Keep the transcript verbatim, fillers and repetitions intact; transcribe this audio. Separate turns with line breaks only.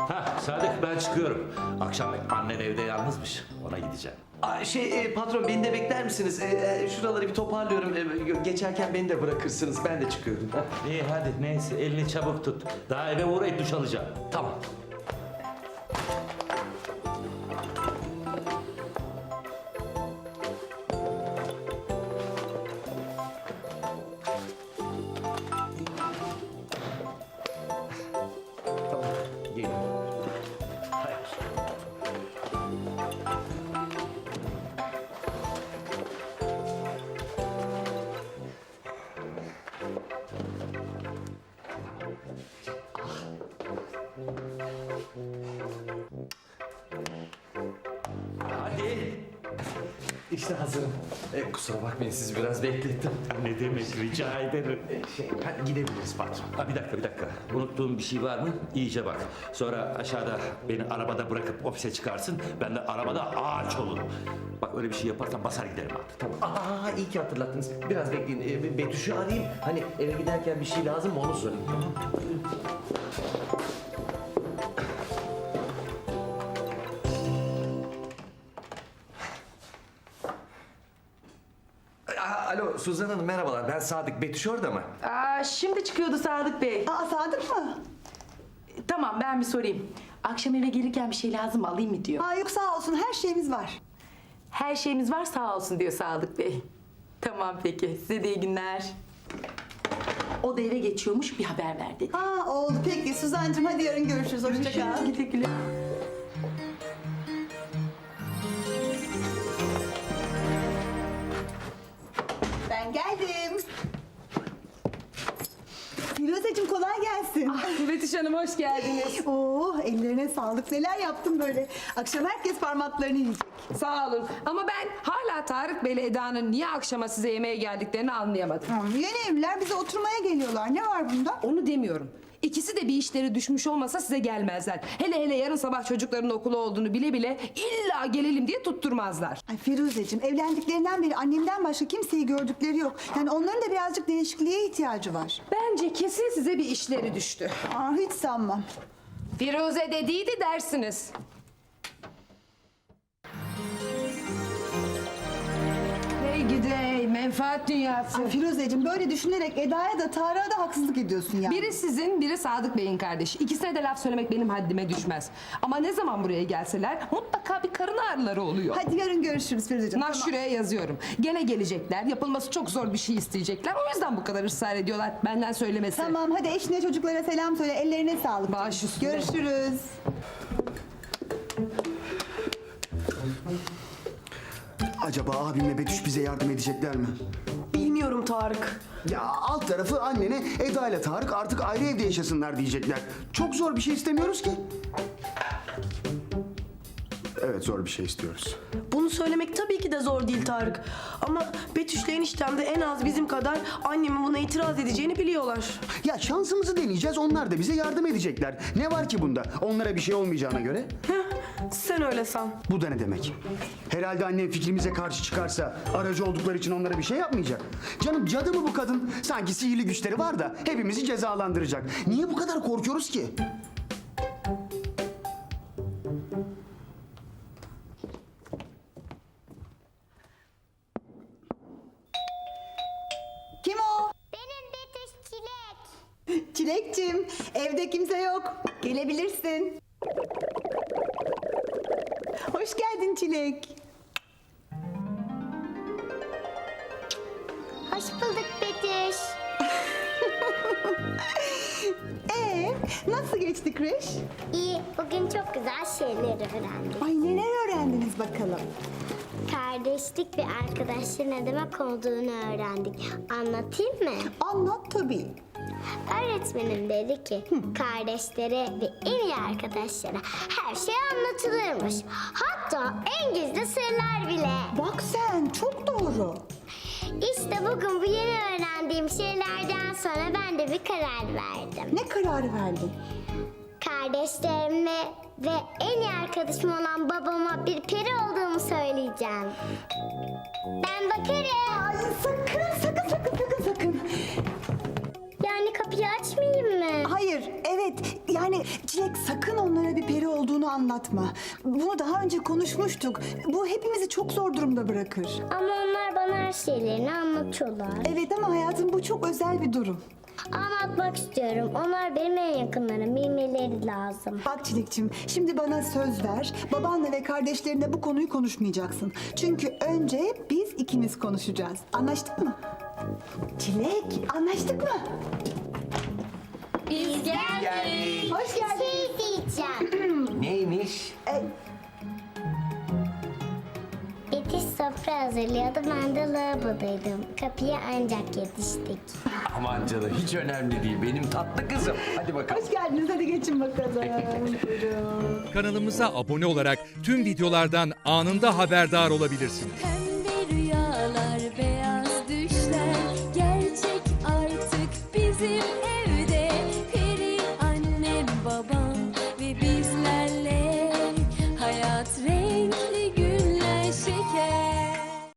Ha Sadık, ben çıkıyorum. Akşam annen evde yalnızmış. Ona gideceğim.
Aa, şey e, patron, beni de bekler misiniz? E, e, şuraları bir toparlıyorum. E, geçerken beni de bırakırsınız. Ben de çıkıyorum.
İyi hadi, neyse, elini çabuk tut. Daha eve uğrayıp duş alacağım.
Tamam. Tamam, geliyorum. Hayır.
Hadi.
İşte hazırım. E, kusura bakmayın, sizi biraz beklettim.
Ne demek, rica ederim.
E, şey, hadi gidebiliriz patron.
Ha, bir dakika bir dakika. Unuttuğum bir şey var mı? İyice bak. Sonra aşağıda beni arabada bırakıp ofise çıkarsın. Ben de arabada ağaç olurum. Bak öyle bir şey yaparsan basar giderim artık.
Tamam. Aa, iyi ki hatırlattınız. Biraz bekleyin. E, Betüş'ü arayayım. Hani eve giderken bir şey lazım mı onu sorayım. Tamam. Aa, alo Suzan Hanım, merhabalar. Ben Sadık. Betüş orada mı?
Aa, şimdi çıkıyordu Sadık Bey.
Aa, Sadık mı?
Tamam, ben bir sorayım. Akşam eve gelirken bir şey lazım mı, alayım mı diyor.
Aa, yok sağ olsun, her şeyimiz var.
Her şeyimiz var, sağ olsun diyor Sadık Bey. Tamam peki, size de iyi günler. O da eve geçiyormuş, bir haber ver dedi.
Aa, oldu peki Suzancığım, hadi yarın görüşürüz. Hoşça kal.
Görüşürüz, güle güle.
Ben geldim. Firuzeciğim kolay gelsin.
Betüş Hanım hoş geldiniz.
Oo, ellerine sağlık. Neler yaptım böyle. Akşam herkes parmaklarını yiyecek.
Sağ olun. Ama ben hala Tarık Bey ile Eda'nın niye akşama size yemeğe geldiklerini anlayamadım.
Tamam, yeni evliler bize oturmaya geliyorlar. Ne var bunda?
Onu demiyorum. İkisi de bir işleri düşmüş olmasa size gelmezler. Hele hele yarın sabah çocukların okulu olduğunu bile bile illa gelelim diye tutturmazlar.
Ay Firuzeciğim, evlendiklerinden beri annemden başka kimseyi gördükleri yok. Yani onların da birazcık değişikliğe ihtiyacı var.
Bence kesin size bir işleri düştü.
Aa, hiç sanmam.
Firuze dediydi dersiniz. Hey gidey menfaat dünyası.
Ay Firuzeciğim, böyle düşünerek Eda'ya da Tarık'a da haksızlık ediyorsun yani.
Biri sizin, biri Sadık Bey'in kardeşi. İkisine de laf söylemek benim haddime düşmez. Ama ne zaman buraya gelseler mutlaka bir karın ağrıları oluyor.
Hadi yarın görüşürüz Firuzeciğim.
Nah şuraya yazıyorum. Gene gelecekler. Yapılması çok zor bir şey isteyecekler. O yüzden bu kadar ısrar ediyorlar. Benden söylemesi.
Tamam, hadi eşine çocuklara selam söyle. Ellerine sağlık.
Baş üstüne.
Görüşürüz.
Acaba abimle Betüş bize yardım edecekler mi?
Bilmiyorum Tarık.
Ya alt tarafı annene Eda ile Tarık artık ayrı evde yaşasınlar diyecekler. Çok zor bir şey istemiyoruz ki. Evet, zor bir şey istiyoruz.
Bunu söylemek tabii ki de zor değil Tarık. Ama Betüş'le eniştem de en az bizim kadar annemin buna itiraz edeceğini biliyorlar.
Ya şansımızı deneyeceğiz, onlar da bize yardım edecekler. Ne var ki bunda? Onlara bir şey olmayacağına göre.
Heh, sen öyle san.
Bu da ne demek? Herhalde annem fikrimize karşı çıkarsa aracı oldukları için onlara bir şey yapmayacak. Canım, cadı mı bu kadın? Sanki sihirli güçleri var da hepimizi cezalandıracak. Niye bu kadar korkuyoruz ki?
Kim o?
Benim Betüş Çilek.
Çilekçim, evde kimse yok. Gelebilirsin. Hoş geldin Çilek.
Hoş bulduk Betüş.
Ee, nasıl geçti kreş?
İyi, bugün çok güzel şeyler öğrendik.
Ay, neler öğrendiniz bakalım?
Kardeşlik ve arkadaşlık ne demek olduğunu öğrendik. Anlatayım mı?
Anlat tabii.
Öğretmenim dedi ki kardeşlere ve en iyi arkadaşlara her şey anlatılırmış. Hatta en gizli sırlar bile.
Bak sen, çok doğru.
İşte bugün bu yeni öğrendiğim şeylerden sonra ben de bir karar verdim.
Ne kararı verdin?
Kardeşlerime ve en iyi arkadaşım olan babama bir peri olduğumu söyleyeceğim. Ben bakarım.
Ay sakın, sakın, sakın, sakın, sakın.
Yani kapı kapıyı açmayayım mı?
Hayır, evet. Yani Çilek sakın onlara bir peri olduğunu anlatma. Bunu daha önce konuşmuştuk. Bu hepimizi çok zor durumda bırakır.
Ama onlar bana her şeylerini anlatıyorlar.
Evet ama hayatım bu çok özel bir durum.
Anlatmak istiyorum. Onlar benim en yakınlarım. Bilmeleri lazım.
Bak Çilekçim, şimdi bana söz ver. Babanla ve kardeşlerinle bu konuyu konuşmayacaksın. Çünkü önce biz ikimiz konuşacağız. Anlaştık mı? Çilek, anlaştık mı?
Biz geldik.
Hoş geldin.
Şey diyeceğim.
Neymiş?
E,
Yetiş sofra hazırlıyordu. Ben de lavabodaydım. Kapıya ancak yetiştik.
Aman canım hiç önemli değil. Benim tatlı kızım. Hadi bakalım.
hoş geldiniz. Hadi geçin bakalım. Buyurun.
Kanalımıza abone olarak tüm videolardan anında haberdar olabilirsiniz.